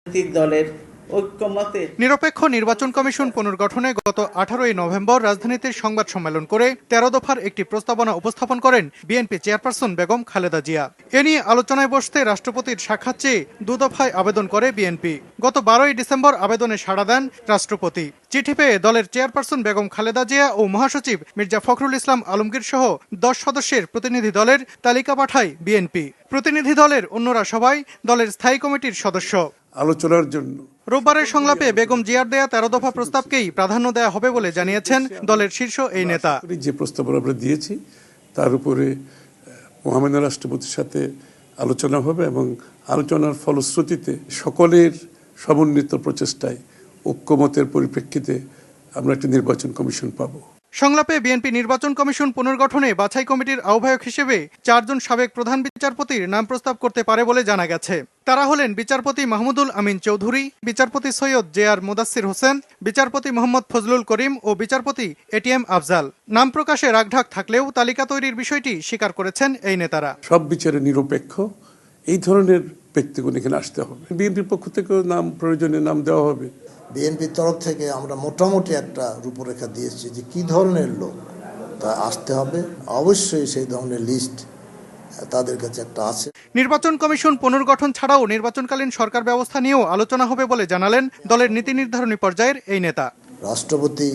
দলের ঐক্যমতে নিরপেক্ষ নির্বাচন কমিশন পুনর্গঠনে গত 18 নভেম্বর রাজধানীতে সংবাদ সম্মেলন করে 13 দফার একটি প্রস্তাবনা উপস্থাপন করেন বিএনপি চেয়ারপারসন বেগম খালেদা জিয়া। এ নিয়ে আলোচনায় বসতে রাষ্ট্রপতির সাক্ষাৎ চেয়ে 2 দফায় আবেদন করে বিএনপি। গত 12 ডিসেম্বর আবেদনে সাড়া দেন রাষ্ট্রপতি। চিঠি পেয়ে দলের চেয়ারপারসন বেগম খালেদা জিয়া ও মহাসচিব মির্জা ফখরুল ইসলাম আলমগীর সহ 10 সদস্যের প্রতিনিধি দলের তালিকা পাঠায় বিএনপি। প্রতিনিধি দলের অন্যরা সবাই দলের স্থায়ী কমিটির সদস্য। আলোচনার জন্য রোববারের সংলাপে বেগম জিয়ার দেয়া 13 দফা প্রস্তাবকেই প্রাধান্য দেওয়া হবে বলে জানিয়েছেন দলের শীর্ষ এই নেতা। যে প্রস্তাবনা আমরা দিয়েছি তার উপরে মহামান্য রাষ্ট্রপতির সাথে আলোচনা হবে এবং আলোচনার ফলশ্রুতিতে সকলের সমন্বিত প্রচেষ্টায় ঐক্যমতের পরিপ্রেক্ষিতে আমরা একটি নির্বাচন কমিশন পাব। সংলাপে বিএনপি নির্বাচন কমিশন পুনর্গঠনে বাছাই কমিটির আহ্বায়ক হিসেবে 4 জন সাবেক প্রধান বিচারপতির নাম প্রস্তাব করতে পারে বলে জানা গেছে। তারা হলেন বিচারপতি মাহমুদুল আমিন চৌধুরী, বিচারপতি সৈয়দ জে.আর. মোদাচ্ছির হোসেন, বিচারপতি মোহাম্মদ ফজলুল করিম ও বিচারপতি এ.টি.এম. আফজাল। নাম প্রকাশে রাগঢাক থাকলেও তালিকা তৈরির বিষয়টি স্বীকার করেছেন এই নেতারা। সব বিচারে নিরপেক্ষ এই ধরনের ব্যক্তিগণ এখানে আসতে হবে। বিএনপির পক্ষ থেকেও নাম প্রয়োজনে নাম দেওয়া হবে। বিএনপির তরফ থেকে আমরা মোটামুটি একটা রূপরেখা দিয়েছি যে কি ধরনের লোক তা আসতে হবে। অবশ্যই সেই ধরনের লিস্ট তাদের কাছে একটা আছে। নির্বাচন কমিশন পুনর্গঠন ছাড়াও নির্বাচনকালীন সরকার ব্যবস্থা নিয়েও আলোচনা হবে বলে জানালেন দলের নীতি নির্ধারণী পর্যায়ের এই নেতা। রাষ্ট্রপতি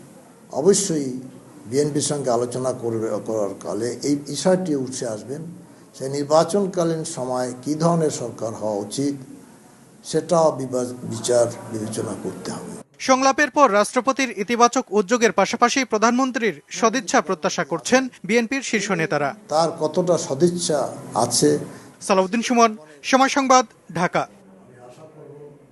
অবশ্যই বিএনপির সঙ্গে আলোচনা করার কালে এই বিষয়টি উঠে আসবেন। সেই নির্বাচনকালীন সময় কি ধরনের সরকার হওয়া উচিত সেটাও বিচার বিবেচনা করতে হবে। সংলাপের পর রাষ্ট্রপতির ইতিবাচক উদ্যোগের পাশাপাশি প্রধানমন্ত্রীর সদিচ্ছা প্রত্যাশা করছেন বিএনপির শীর্ষ নেতারা। তার কতটা সদিচ্ছা আছে। সালাউদ্দিন সুমন, সময় সংবাদ, ঢাকা।